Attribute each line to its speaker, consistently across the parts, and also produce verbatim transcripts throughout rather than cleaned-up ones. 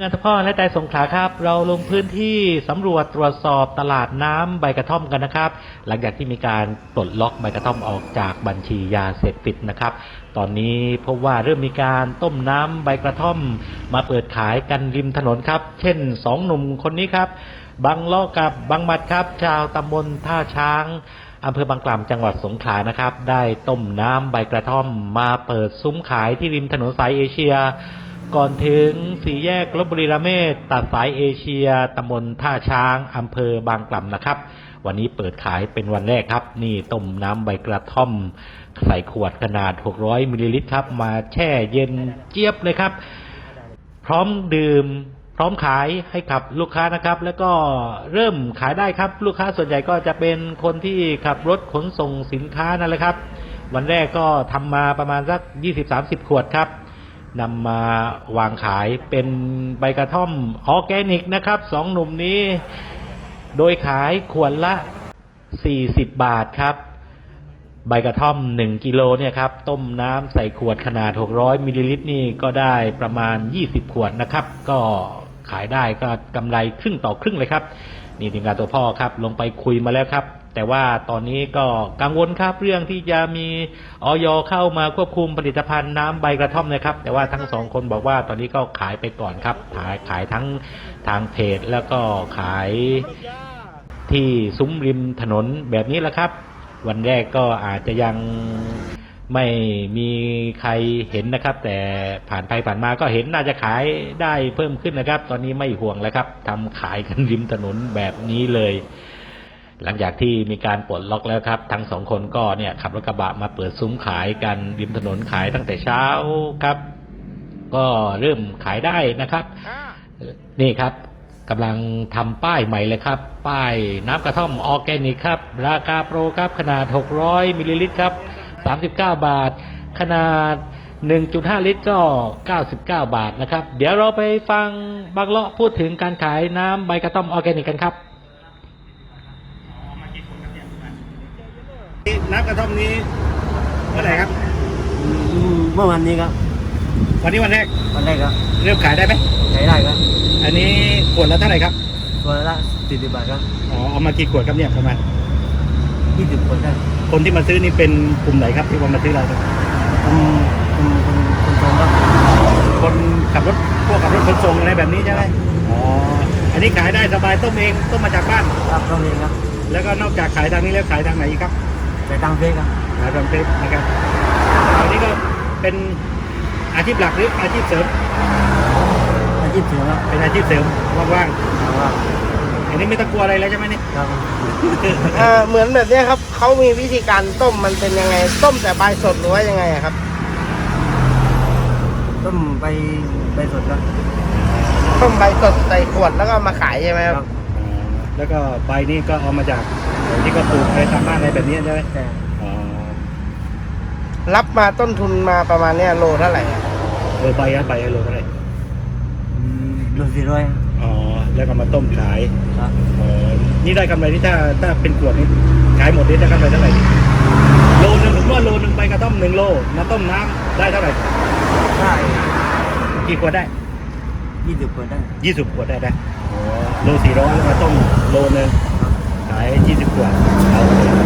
Speaker 1: งานทพ่อและใจสงขลาครับเราลงพื้นที่สำรวจตรวจสอบตลาดน้ำใบกระท่อมกันนะครับหลังจากที่มีการปลดล็อกใบกระท่อมออกจากบัญชียาเสพติดนะครับตอนนี้พบว่าเริ่มมีการต้มน้ำใบกระท่อมมาเปิดขายกันริมถนนครับเช่นสองหนุ่มคนนี้ครับบังล้อกับบังหมัดครับชาวตำบลท่าช้างอำเภอบางกล่ำจังหวัดสงขลานะครับได้ต้มน้ำใบกระท่อมมาเปิดซุ้มขายที่ริมถนนสายเอเชียก่อนถึงสี่แยกลพบุรีระเมศตัดสายเอเชียตำบลท่าช้างอำเภอบางกล่ำนะครับวันนี้เปิดขายเป็นวันแรกครับนี่ต้มน้ำใบกระท่อมใส่ขวดขนาดหกร้อยมิลลิลิตรครับมาแช่เย็นเจี๊ยบเลยครับพร้อมดื่มพร้อมขายให้กับลูกค้านะครับแล้วก็เริ่มขายได้ครับลูกค้าส่วนใหญ่ก็จะเป็นคนที่ขับรถขนส่งสินค้านั่นแหละครับวันแรกก็ทำมาประมาณสัก ยี่สิบถึงสามสิบ ขวดครับนำมาวางขายเป็นใบกระท่อมออร์แกนิกนะครับสองหนุ่มนี้โดยขายขวดละสี่สิบบาทครับใบกระท่อมหนึ่งกิโลเนี่ยครับต้มน้ำใส่ขวดขนาดหกร้อยมิลลิลิตรนี่ก็ได้ประมาณยี่สิบขวดนะครับก็ขายได้ก็กำไรครึ่งต่อครึ่งเลยครับนี่ทีมงานตัวพ่อครับลงไปคุยมาแล้วครับแต่ว่าตอนนี้ก็กังวลครับเรื่องที่จะมีอย.เข้ามาควบคุมผลิตภัณฑ์น้ำใบกระท่อมนะครับแต่ว่าทั้งสองคนบอกว่าตอนนี้ก็ขายไปก่อนครับขายขายทั้งทางเพจแล้วก็ขายที่ซุ้มริมถนนแบบนี้แหละครับวันแรกก็อาจจะยังไม่มีใครเห็นนะครับแต่ผ่านไปผ่านมาก็เห็นน่าจะขายได้เพิ่มขึ้นนะครับตอนนี้ไม่ห่วงแล้วครับทำขายกันริมถนนแบบนี้เลยหลังจากที่มีการปลดล็อกแล้วครับทั้งสองคนก็เนี่ยขับรถกระบะมาเปิดซุ้มขายกันริมถนนขายตั้งแต่เช้าครับก็เริ่มขายได้นะครับนี่ครับกำลังทำป้ายใหม่เลยครับป้ายน้ำกระท่อมออร์แกนิกครับราคาโปรครับขนาดหกร้อยมิลลิลิตรครับสามสิบเก้าบาทขนาด หนึ่งจุดห้า ลิตรก็เก้าสิบเก้าบาทนะครับเดี๋ยวเราไปฟังบังเลาะพูดถึงการขายน้ำใบกระท่อมออร์แกนิกกันครับ
Speaker 2: น้ำกระท่อมนี้เมื่อไหร่ครับ
Speaker 3: เมื่อวันนี้ครับ
Speaker 2: วันนี้วันแรก
Speaker 3: วันแรกครับ
Speaker 2: เริ่มขายได้ไหม
Speaker 3: ขายได้ครับ
Speaker 2: อันนี้ขวดละเท่าไหร่ครับ
Speaker 3: ขวดละสี่สิบบาทครับ
Speaker 2: อ๋อเอามากี่ขวดครับเนี่ยประมาณ
Speaker 3: ยี่สิบขวดได้
Speaker 2: คนที่มาซื้อนี่เป็นกลุ่มไหนครับที่มาซื้อเราครับ
Speaker 3: คนคนคนคนส่งครับ
Speaker 2: คนขับรถพวกขับรถขนส่งอะไรแบบนี้ใช่ไหมอ๋ออันนี้ขายได้สบายต้มเองต้มมาจากบ้าน
Speaker 3: ครับต้มเองครับ
Speaker 2: แล้วก็นอกจากขายทางนี้แล้วขายทางไหนอีกครับ
Speaker 3: ขายทางเฟซครับ
Speaker 2: ขายทางเฟซนะครับอันนี้ก็เป็นอาชีพหลักหรืออาชีพเสริม
Speaker 3: อาชีพเสริมครับ
Speaker 2: เป็นอาชีพเสริมว่างๆอันนี้ไม่ต้องกลัวอะไรแล้วใช่ไหมนี่
Speaker 3: ครับ
Speaker 4: เออเหมือนแบบนี้ครับเขามีวิธีการต้มมันเป็นยังไงต้มแต่ใบสดหรือว่ายังไงครับ
Speaker 3: ต้มใบใบสดครับ
Speaker 4: ต้มใบสดใส่ขวดแล้วก็มาขายใช่ไหมครับ
Speaker 2: แล้วก็ใบนี้ก็เอามาจากที่ก็ปลูกอะไรตามบ้านอะไรแบบนี้ใช่ไหม
Speaker 3: ใช่
Speaker 4: รับมาต้นทุนมาประมาณเนี้ยโลเท่าไหร่
Speaker 2: เออใบอะใบโลเท่าไหร่
Speaker 3: โลสี่ร้อย
Speaker 2: อ๋อแล้วก็มาต้มขาย
Speaker 3: ครับ
Speaker 2: อ๋อนี่ได้กำไรที่ถ้าถ้าเป็นขวดนี้ขายหมดนี้ได้กำไรเท่าไหร่โลนึงผมว่าโลนึงใบกระท่อมหนึ่งโลมาต้มน้ำได้เท่าไหร่
Speaker 3: ได้
Speaker 2: กี่ขวดได้
Speaker 3: ยี่สิบขวดได้
Speaker 2: ยี่สิบขวดได้ได้อ๋อโลสี่ร้อยแล้วมาต้มโลนึงขายยี่สิบขวดเอา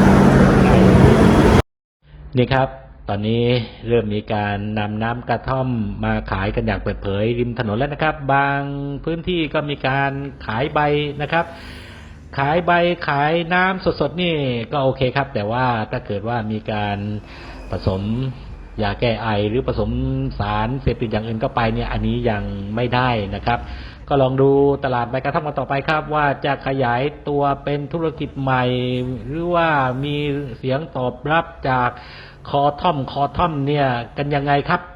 Speaker 1: นี่ครับตอนนี้เริ่มมีการนำน้ำกระท่อมมาขายกันอย่างเปิดเผยริมถนนแล้วนะครับบางพื้นที่ก็มีการขายใบนะครับขายใบขายน้ำสดๆนี่ก็โอเคครับแต่ว่าถ้าเกิดว่ามีการผสมยาแก้ไอหรือผสมสารเสพติดอย่างอื่นเข้าไปเนี่ยอันนี้ยังไม่ได้นะครับก็ลองดูตลาดใบกระท่อมกันต่อไปครับว่าจะขยายตัวเป็นธุรกิจใหม่หรือว่ามีเสียงตอบรับจากคอท่อมคอท่อมเนี่ยกันยังไงครับ